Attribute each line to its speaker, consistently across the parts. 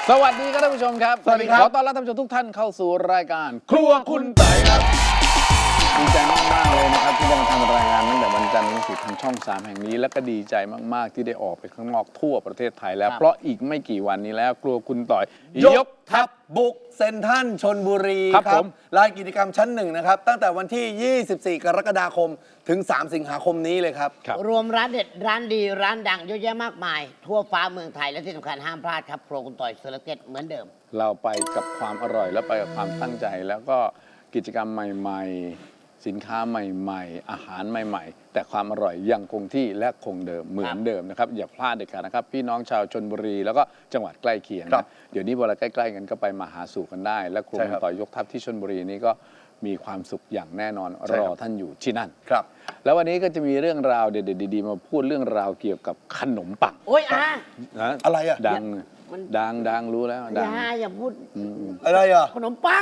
Speaker 1: สวัสดีครับท่านผู้ชมครับ
Speaker 2: สวัสดีครับ
Speaker 1: ขอต้อนรับท่านผู้ชมทุกท่านเข้าสู่รายการครัวคุณไต่ครับดีใจมากๆเลยนะครับที่ได้มาทำรายงานตั้งแต่วันจันทร์ถึงศุกร์ทางช่อง 3 แห่งนี้และก็ดีใจมากๆที่ได้ออกไปข้างนอกทั่วประเทศไทยแล้วเพราะอีกไม่กี่วันนี้แล้วครัวคุณต่อย
Speaker 2: ยกทัพบุกเซ็นทรัลชลบุรี
Speaker 1: ครับผม
Speaker 2: ลานกิจกรรมชั้น 1นะครับตั้งแต่วันที่ 24 กรกฎาคมถึง 3 สิงหาคมนี้เลยครับ
Speaker 3: รวมร้านเด็ดร้านดีร้านดังเยอะแยะมากมาย ทั่วฟ้าเมืองไทยและที่สำคัญห้ามพลาดครับโปรคุณต่อยเซอร์เก็ตเหมือนเดิม
Speaker 1: เราไปกับความอร่อยและไปกับความตั้งใจ แล้วก็กิจกรรมใหม่ๆ สินค้าใหม่ๆ อาหารใหม่ๆ แต่ความอร่อยยังคงที่และคงเดิมเหมือนเดิมนะครับอย่าพลาดเด็ดขาดนะครับพี่น้องชาวชลบุรีแล้วก็จังหวัดใกล้เคียง
Speaker 2: ครั
Speaker 1: นะ
Speaker 2: บ
Speaker 1: เดี๋ยวนี้เวลาใกล้ๆกันก็ไปมาหาสู่กันได้ และครัว
Speaker 2: ใช่
Speaker 1: คุ
Speaker 2: ครั
Speaker 1: ณ
Speaker 2: บ
Speaker 1: ต่อยยกทัพที่ชลบุรีนี้ก็มีความสุขอย่างแน่นอน
Speaker 2: ใช่
Speaker 1: ร
Speaker 2: ค
Speaker 1: อ
Speaker 2: รับ
Speaker 1: ท่านอยู่ที่นั่น
Speaker 2: ครับ
Speaker 1: แล้ววันนี้ก็จะมีเรื่องราวเด็ดๆดีๆมาพูดเรื่องราวเกี่ยวกับขนมปัง
Speaker 3: โอ๊ย
Speaker 1: นะ
Speaker 2: อะไรอะ
Speaker 1: ดัง
Speaker 3: มัน
Speaker 1: ดังรู้แล้วดัง
Speaker 3: อย่าพูด
Speaker 2: อะไรอ่ะ
Speaker 3: ขนมปัง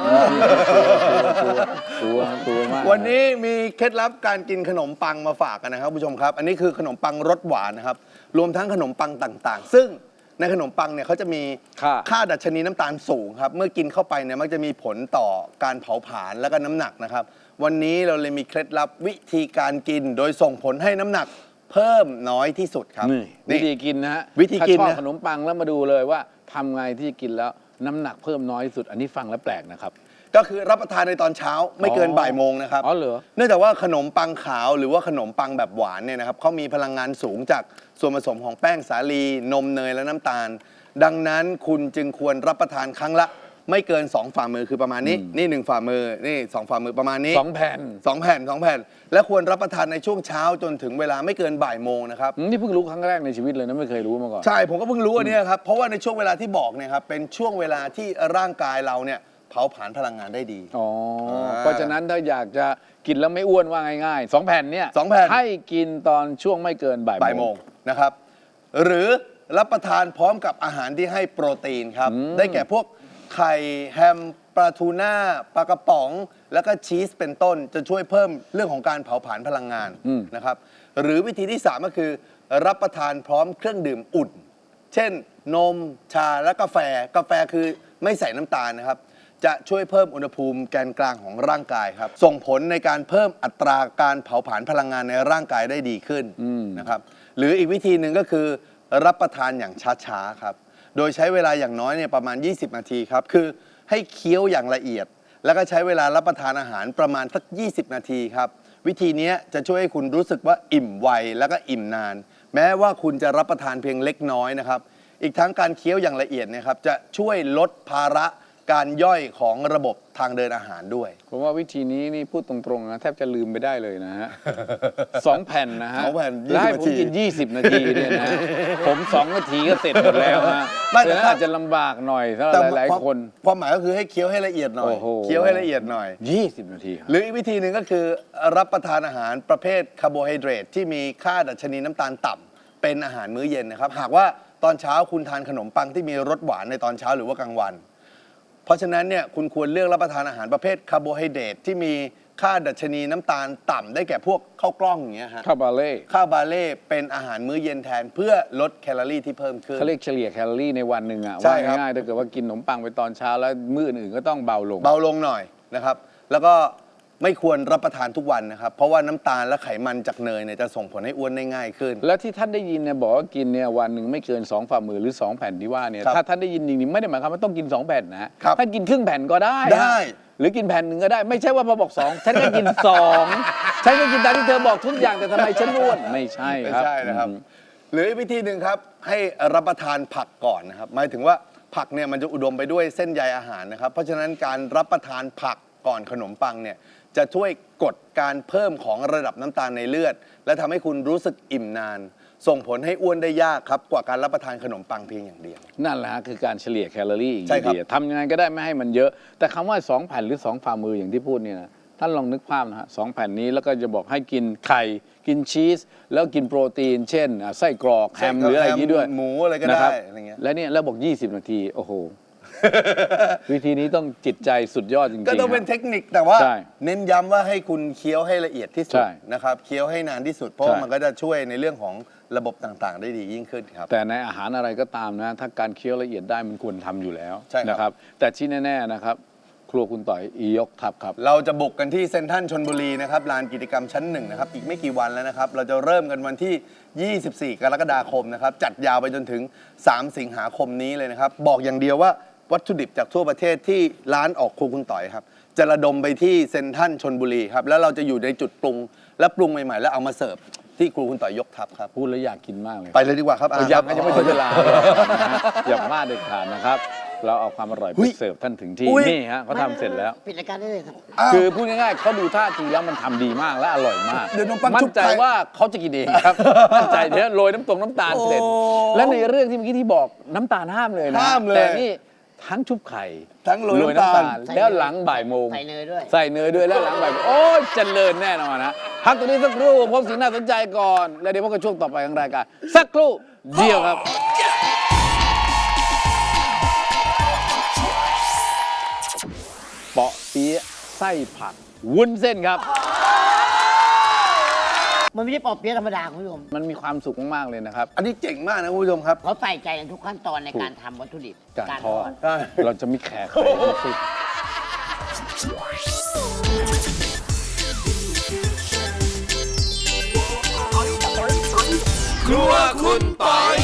Speaker 1: ตัวมาก
Speaker 2: วันนี้มีเคล็ดลับการกินขนมปังมาฝากกันนะครับผู้ชมครับ อันนี้คือขนมปังรสหวานนะครับรวมทั้งขนมปังต่างๆ ซึ่งในขนมปังเนี่ยเขาจะมีค่าดัชนีน้ำตาลสูงครับเมื่อกินเข้าไปเนี่ยมักจะมีผลต่อการเผาผลาญและก็น้ำหนักนะครับวันนี้เราเลยมีเคล็ดลับวิธีการกิน โดยส่งผลให้น้ำหนักเพิ่มน้อยที่สุดครับ
Speaker 1: นี่วิธีกินนะฮะ
Speaker 2: วิธีกิน
Speaker 1: ถ้าชอบ
Speaker 2: นะ
Speaker 1: ขนมปังแล้วมาดูเลยว่าทำไงที่กินแล้วน้ำหนักเพิ่มน้อยที่สุด อันนี้ฟังแล้วแปลกนะครับ
Speaker 2: ก็คือรับประทานในตอนเช้าไม่เกินบ่ายโมงนะครับ
Speaker 1: อ๋อเหรอ
Speaker 2: เนื่องจากว่าขนมปังขาวหรือว่าขนมปังแบบหวานเนี่ยนะครับเขามีพลังงานสูงจากส่วนผสมของแป้งสาลี นมเนยและน้ำตาล ดังนั้นคุณจึงควรรับประทานครั้งละไม่เกิน 2 ฝ่ามือคือประมาณนี้นี่1ฝ่ามือนี่2ฝ่ามือประมาณนี้
Speaker 1: 2 แผ่น
Speaker 2: 2 แผ่น 2 แผ่น และควรรับประทานในช่วงเช้าจนถึงเวลาไม่เกินบ่ายโมงนะครับ
Speaker 1: นี่เพิ่งรู้ครั้งแรกในชีวิตเลยนะไม่เคยรู้มาก่อน
Speaker 2: ใช่ผมก็เพิ่งรู้อันเนี้ยครับเพราะว่าในช่วงเวลาที่บอกเนี่ยครับเป็นช่วงเวลาที่ร่างกายเราเนี่ยเผาผลาญพลังงานได้ดี
Speaker 1: อ๋อเพราะฉะนั้นถ้าอยากจะกินแล้วไม่อ้วนว่าง่ายๆ2 แผ่นเนี่ย
Speaker 2: 2 แผ่น
Speaker 1: ให้กินตอนช่วงไม่เกินบ่าย
Speaker 2: บ่ายโมงนะครับหรือรับประทานพร้อมกับอาหารที่ให้โปรตีนครับได้แก่พวกไข่แฮมปลาทูน่าปลากระป๋อง แล้วก็ชีสเป็นต้นจะช่วยเพิ่มเรื่องของการเผาผลาญพลังงานนะครับหรือวิธีที่ 3 ก็คือ รับประทานพร้อมเครื่องดื่มอุ่น เช่นนมชาและกาแฟคือไม่ใส่น้ำตาลนะครับจะช่วยเพิ่มอุณหภูมิแกนกลางของร่างกายครับส่งผลในการเพิ่มอัตราการเผาผลาญพลังงานในร่างกายได้ดีขึ้นนะครับหรืออีกวิธีหนึ่งก็คือรับประทานอย่างช้าๆครับโดยใช้เวลาอย่างน้อยเนี่ยประมาณ 20 นาทีครับคือให้เคี้ยวอย่างละเอียด แล้วก็ใช้เวลารับประทานอาหารประมาณสัก 20 นาทีครับวิธีนี้จะช่วยให้คุณรู้สึกว่าอิ่มไวแล้วก็อิ่มนาน แม้ว่าคุณจะรับประทานเพียงเล็กน้อยนะครับอีกทั้งการเคี้ยวอย่างละเอียดเนะครับจะช่วยลดภาระการย่อยของระบบทางเดินอาหารด้วย
Speaker 1: ผมว่าวิธีนี้นี่พูดตรงๆนะแทบจะลืมไปได้เลยนะฮะ 2 แผ่นนะฮะ
Speaker 2: 2 แผ่น20
Speaker 1: แล้วให้ผมกิน 20 นาทีเนี่ยนะ ผม2 นาทีก็เสร็จหมดแล้วฮะ
Speaker 2: ไม่แต่
Speaker 1: แต่อาจจะลำบากหน่อยสำหรับหลายๆคน
Speaker 2: ความหมายก็คือให้เคี้ยวให้ละเอียดหน่อย
Speaker 1: โอ้โห
Speaker 2: เคี้ยวให้ละเอียดหน่อย
Speaker 1: 20 นาทีครับ
Speaker 2: หรืออีกวิธีหนึ่งก็คือรับประทานอาหารประเภทคาร์โบไฮเดรตที่มีค่าดัชนีน้ำตาลต่ำเป็นอาหารมื้อเย็นนะครับหากว่าตอนเช้าคุณทานขนมปังที่มีรสหวานในตอนเช้าหรือว่ากลางวัน เพราะฉะนั้นเนี่ยคุณควรเลือกรับประทานอาหารประเภทคาร์โบไฮเดรตที่มีค่าดัชนีน้ำตาลต่ำได้แก่พวกข้าวกล้องอย่างเงี้ยฮะ
Speaker 1: ข้าวบาเล่
Speaker 2: ข้าวบาเล่เป็นอาหารมื้อเย็นแทนเพื่อลดแคลอรี่ที่เพิ่มขึ้น
Speaker 1: เขาเรียกเฉลี่ยแคลอรี่ในวันหนึ่งอะ
Speaker 2: ใช่
Speaker 1: ว่า
Speaker 2: ครับ
Speaker 1: ง่ายๆถ้าเกิดว่ากินขนมปังไปตอนเช้าแล้วมื้ออื่นๆก็ต้องเบาลง
Speaker 2: เบาลงหน่อยนะครับแล้วก็ไม่ควรรับประทานทุกวันนะครับเพราะว่าน้ำตาลและไขมันจากเนยเนี่ยจะส่งผลให้อ้วนได้ง่ายขึ้น
Speaker 1: แล้วที่ท่านได้ยินเนี่ยบอกว่ากินเนี่ยวันหนึ่งไม่เกิน2 ฝ่ามือหรือ 2 แผ่นที่ว่าเนี่ย
Speaker 2: ครับ
Speaker 1: ถ้าท่านได้ยินจริงๆไม่ได้หมายความว่าต้องกิน 2 แผ่นนะฮะ
Speaker 2: ครับ
Speaker 1: ท่านกินครึ่งแผ่นก็ได้ฮะ
Speaker 2: ได้
Speaker 1: หรือกินแผ่นหนึ่งก็ได้ไม่ใช่ว่าพอบอก2ฉันก็กิน2ฉันก็กินตามที่เธอบอกทุกอย่างแต่ทำไมฉันอ้วนไม่ใช่
Speaker 2: ไม่
Speaker 1: ครับ
Speaker 2: ใช่นะครับหรืออีกวิธีหนึ่งครับให้รับประทานผักก่อนนะครับหมายถึงว่าผักเนี่ยมันจะอุดมไปด้วยเส้นใยอาหารนะครับเพราะฉะนั้นการรับประทานผักก่อนขนมปังเนี่ยจะช่วยกดการเพิ่มของระดับน้ำตาลในเลือด และทำให้คุณรู้สึกอิ่มนาน ส่งผลให้อ้วนได้ยากครับกว่าการรับประทานขนมปังเพียงอย่างเดียว
Speaker 1: นั่นแหละฮะคือการเฉลี่ยแคลอรี่อีก
Speaker 2: ใช่ครับ
Speaker 1: ทีทำยังไงก็ได้ไม่ให้มันเยอะ แต่คำว่า2 แผ่นหรือ2 ฝ่ามืออย่างที่พูดเนี่ยนะท่านลองนึกภาพนะฮะ2 แผ่นนี้แล้วก็จะบอกให้กินไข่กินชีสแล้วกินโปรตีน เช่นไส้กรอกแฮมหรืออะไรอย่างนี้ด้วย
Speaker 2: หมูอะไรก็
Speaker 1: นะค
Speaker 2: ได้
Speaker 1: รับ
Speaker 2: อะไรเงี้ย
Speaker 1: และเนี่ยแล้วบอก 20 นาทีโอ้โห วิธีนี้ต้องจิตใจสุดยอดจริงๆ
Speaker 2: ก็ต้องเป็น
Speaker 1: ฮะ
Speaker 2: เทคนิคแต่ว่า
Speaker 1: ใช่
Speaker 2: เน้นย้ำว่าให้คุณเคี้ยวให้ละเอียดที่สุ
Speaker 1: ใช่
Speaker 2: ดนะครับเคี้ยวให้นานที่สุดเพราะ
Speaker 1: ใช่
Speaker 2: ว่ามันก็จะช่วยในเรื่องของระบบต่างๆ ได้ดียิ่งขึ้นครับ
Speaker 1: แต่ในอาหารอะไรก็ตามนะ ถ้าการเคี้ยวละเอียดได้มันควรทำอยู่แล้ว
Speaker 2: ใช่ครับ
Speaker 1: นะครับ แต่ที่แน่ๆนะครับ ครัวคุณต่อยยกทัพครับ
Speaker 2: เราจะบุกกันที่เซ็นทรัลชลบุรีนะครับลานกิจกรรมชั้น 1นะครับอีกไม่กี่วันแล้วนะครับเราจะเริ่มกันวันที่ 24 กรกฎาคมนะครับจัดยาวไปจนถึง 3 สิงหาคมนี้เลยนะครับบอกอย่างเดียวว่าวัตถุดิบจากทั่วประเทศที่ร้านออกครัวคุณต่อยครับจะระดมไปที่เซ็นทรัลชลบุรีครับแล้วเราจะอยู่ในจุดปรุงและปรุงใหม่ๆแล้วเอามาเสิร์ฟที่ครัวคุณต่อยยกทัพครับ
Speaker 1: พูดแล้วอยากกินมากเลย
Speaker 2: ไปเลยดีกว่าครับ
Speaker 1: ยัง
Speaker 2: ครับ
Speaker 1: ยังไม่ถึงเวลาเลยนะฮะอย่าพลาดเด็ดขาดนะครับ เราเอาความอร่อย
Speaker 2: อุ๊
Speaker 1: ไป
Speaker 2: ย
Speaker 1: เสิร์ฟท่านถึงที่
Speaker 2: อุ๊ย
Speaker 1: นี่ฮะเขาทำเสร็จแล้ว
Speaker 3: ปิดรายการได้เลยครับ
Speaker 2: อ้าว
Speaker 1: คือพูดง่ายๆเขาดูท่าทีแล้วมันทำดีมากและอร่อยมาก
Speaker 2: เดี๋ยวน้องปั้น
Speaker 1: มั่
Speaker 2: ชุ
Speaker 1: น
Speaker 2: บ
Speaker 1: ใจ
Speaker 2: ไข่
Speaker 1: ว่าเขาจะกินเองครับ มั่นใจเดี๋ยวโรยน้ำตาลเสร็จ
Speaker 2: โอ้
Speaker 1: และในเรื่องที่เมื่อกี้ที่บอกน้ำตาลห้ามเลยนะ
Speaker 2: ห้ามเลย
Speaker 1: แต่นี่ทั้งชุบไข่
Speaker 2: ทั้งโรยน้ำตาล
Speaker 1: แล้วหลังบ่ายโมง
Speaker 3: ใส่เนยด้วย
Speaker 1: ใส่เนยด้วยแล้วหลังบ่ายโมงโอ้ยเจริญแน่นอนนะพักตรงนี้สักครู่พบสิ่งน่าสนใจก่อน แล้วเดี๋ยวพบกันช่วงต่อไปของรายการสักครู่เดียวครับ เปาะเปี๊ยะไส้ผักวุ้นเส้นครับ
Speaker 3: มันไม่ใช่ปอเปี๊ยะธรรมดาคุณผู้ชม
Speaker 1: มันมีความสุขมาก ๆ เลยนะครับ
Speaker 2: อันนี้เจ๋งมากนะคุณผู้ชมครับ
Speaker 3: เขาใส่ใจในทุกขั้นตอนในการทำวัตถุดิบ
Speaker 1: การทอด
Speaker 2: ใช่
Speaker 1: เราจะมีแขกไข่ทั้งสิ้น
Speaker 4: ครัวคุณปอย